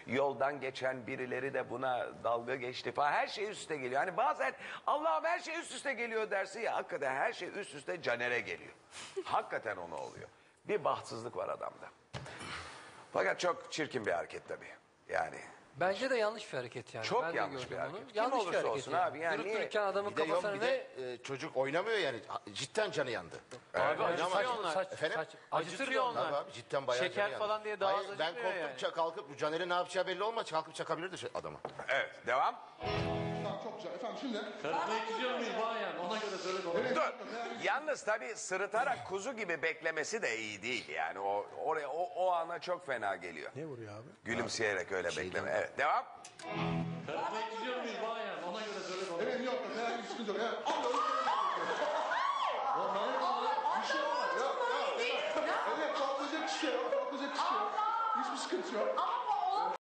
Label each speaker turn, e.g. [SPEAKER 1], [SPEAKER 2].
[SPEAKER 1] Yoldan geçen birileri de buna dalga geçti falan. Her şey üst üste geliyor. Hani bazen Allah'ım her şey üst üste geliyor dersin ya. Hakikaten her şey üst üste Caner'e geliyor. Hakikaten ona oluyor. Bir bahtsızlık var adamda. Fakat çok çirkin bir hareket tabii. Yani
[SPEAKER 2] Bence de yanlış bir hareket yani.
[SPEAKER 1] çok
[SPEAKER 2] Ben de
[SPEAKER 1] yanlış
[SPEAKER 2] gördüm
[SPEAKER 1] bir hareket.
[SPEAKER 2] onu.
[SPEAKER 1] Kim
[SPEAKER 2] Yanlış bir
[SPEAKER 1] olursa
[SPEAKER 2] hareket
[SPEAKER 1] olsun abi. Yani
[SPEAKER 2] Durup
[SPEAKER 1] niye?
[SPEAKER 2] dururken adamın
[SPEAKER 3] Bir de yok
[SPEAKER 2] kafasına
[SPEAKER 3] bir
[SPEAKER 2] ne?
[SPEAKER 3] de çocuk oynamıyor yani. Cidden canı yandı.
[SPEAKER 4] Abi acıtıyor onlar.
[SPEAKER 3] Efendim?
[SPEAKER 4] Acıtıyor onlar.
[SPEAKER 3] Tabii abi cidden bayağı
[SPEAKER 4] Şeker
[SPEAKER 3] canı yandı.
[SPEAKER 4] falan diye daha az
[SPEAKER 3] Hayır, ben
[SPEAKER 4] acıtmıyor
[SPEAKER 3] korktum
[SPEAKER 4] yani.
[SPEAKER 3] kalkıp bu Caner'in ne yapacağı belli olmaz. Kalkıp çakabilirdi adama.
[SPEAKER 1] Evet, devam.
[SPEAKER 5] Tamam, çok güzel. Efendim şimdi...
[SPEAKER 6] Karısına gidiyor muyuz bayan? Ona göre söyle bana.
[SPEAKER 1] Dur. Yalnız tabii sırıtarak kuzu gibi beklemesi de iyi değil. Yani o ana çok fena geliyor.
[SPEAKER 7] Ne vuruyor abi?
[SPEAKER 1] Gülümseyerek öyle bekleme. Evet, devam.
[SPEAKER 6] Karısına gidiyor muyuz bayan? Ona göre söyle bana.
[SPEAKER 5] Evet, yok. Herhangi bir sıkıntı yok. Evet. Bir şey olmaz. Yok. Evet, kalkacak bir şey yok. Kalkacak bir şey yok. Hiçbir sıkıntı yok.